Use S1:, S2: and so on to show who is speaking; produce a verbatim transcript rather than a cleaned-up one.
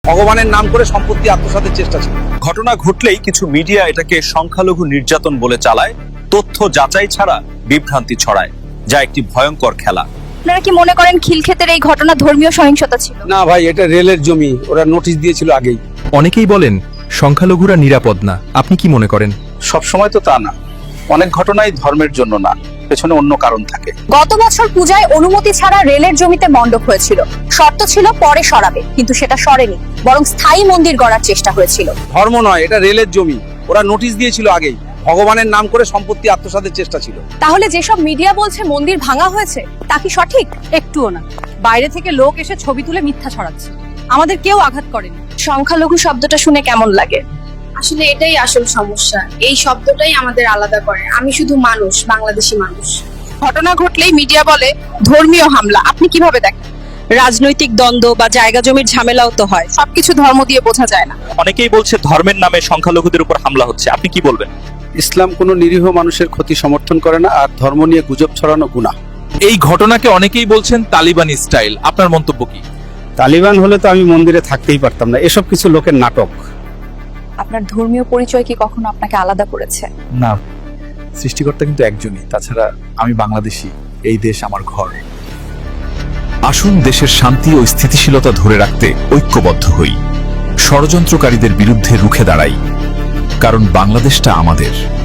S1: ভগবানের নাম করে সম্পত্তি আত্মসাতের চেষ্টা ছিল।
S2: ঘটনা ঘটলেই কিছু মিডিয়া এটাকে সংখ্যালঘু নির্যাতন বলে চালায়, তথ্য যাচাই ছাড়া বিভ্রান্তি ছড়ায়, যা একটি ভয়ঙ্কর খেলা।
S3: আপনারা কি মনে করেন খিলক্ষেতের এই ঘটনা ধর্মীয় সহিংসতা ছিল?
S1: না ভাই, এটা রেলের জমি, ওরা নোটিশ দিয়েছিল আগেই।
S4: অনেকেই বলেন সংখ্যালঘুরা নিরাপদ না, আপনি কি মনে করেন?
S2: সব সময় তো তা না, অনেক ঘটনাই ধর্মের জন্য না, পেছনে অন্য কারণ থাকে।
S3: গত বছর পূজায় অনুমতি ছাড়া রেলের জমিতে মণ্ডপ হয়েছিল। শর্ত ছিল পরে সরাবে, কিন্তু সেটা সরেনি, বরং স্থায়ী মন্দির গড়ার চেষ্টা হয়েছিল।
S1: ধর্ম নয়, এটা রেলের জমি, ওরা নোটিশ দিয়েছিল আগেই। ভগবানের নাম করে সম্পত্তি আত্মসাতের চেষ্টা ছিল।
S3: তাহলে যেসব মিডিয়া বলছে মন্দির ভাঙা হয়েছে, তা কি সঠিক?
S5: একটুও না। বাইরে থেকে লোক এসে ছবি তুলে মিথ্যা ছড়াচ্ছে, আমাদের কেউ আঘাত করেনি।
S3: সংখ্যালঘু শব্দটা শুনে কেমন লাগে?
S6: আসলে এটাই আসল সমস্যা, এই শব্দটাই আমাদের আলাদা করে। আমি শুধু মানুষ, বাংলাদেশি মানুষ।
S3: ঘটনা ঘটলেই মিডিয়া বলে ধর্মীয় হামলা। আপনি কিভাবে দেখেন?
S5: রাজনৈতিক দ্বন্দ্ব বা জায়গা জমির ঝামেলাও তো হয়।
S3: সবকিছু ধর্ম দিয়ে বোঝা যায় না।
S2: অনেকেই বলছে ধর্মের নামে সংখ্যালঘুদের উপর হামলা হচ্ছে, আপনি কি বলবেন?
S1: ইসলাম কোনো নিরীহ মানুষের ক্ষতি সমর্থন করে না, আর ধর্ম নিয়ে গুজব ছড়ানো গুনাহ।
S7: এই ঘটনাকে অনেকেই বলছেন তালিবানি স্টাইল, আপনার মন্তব্য কি?
S1: তালিবান হলে তো আমি মন্দিরে থাকতেই পারতাম না, এসব কিছু লোকের নাটক।
S3: আপনার ধর্মীয় পরিচয় কি কখনো আপনাকে আলাদা করেছে?
S4: না, সৃষ্টিকর্তা কিন্তু একজনই, তাছাড়া আমি বাংলাদেশি, এই দেশ আমার ঘর।
S8: আসুন দেশের শান্তি ও স্থিতিশীলতা ধরে রাখতে ঐক্যবদ্ধ হই, ষড়যন্ত্রকারীদের বিরুদ্ধে রুখে দাঁড়াই, কারণ বাংলাদেশটা আমাদের।